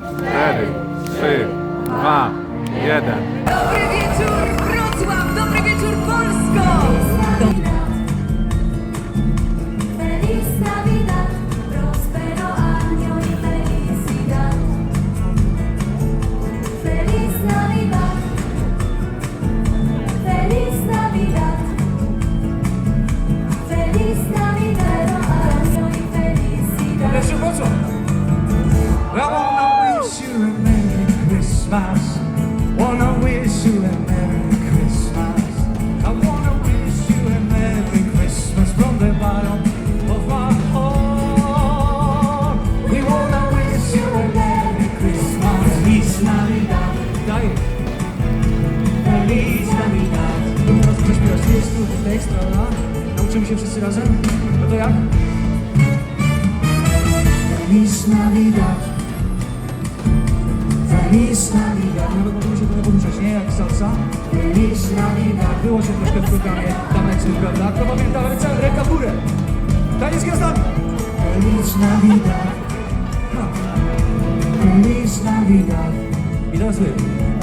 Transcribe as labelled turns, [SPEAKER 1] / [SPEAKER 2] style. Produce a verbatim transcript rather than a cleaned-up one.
[SPEAKER 1] cztery, trzy, dwa, jeden.
[SPEAKER 2] Dobry wieczór Wrocław, dobry wieczór Polsko!
[SPEAKER 3] Feliz Navidad, prospero año y felicidad. Feliz Navidad, Feliz Navidad, Feliz Navidad, año y felicidad.
[SPEAKER 4] Leszek, po co? I wanna wish you a Merry Christmas. Wanna wish you a Merry Christmas. I wanna wish you a Merry Christmas from the bottom of my heart. We wanna wish you a Merry Christmas. Feliz Navidad. Daj. Feliz Navidad. Teraz chcesz śpiewać tekstu, tekst, prawda? Nauczymy się wszyscy razem? No to jak? Feliz Navidad. Feliz Navidad. Nawet możemy się trochę poruszać, nie? Jak salsa. Feliz Navidad. Było się troszkę w programie tanecznym, prawda? Kto pamięta? Ręce, ręka w górę. Taniec z gwiazdami. Feliz Navidad. Ha. Feliz Navidad. I teraz wy.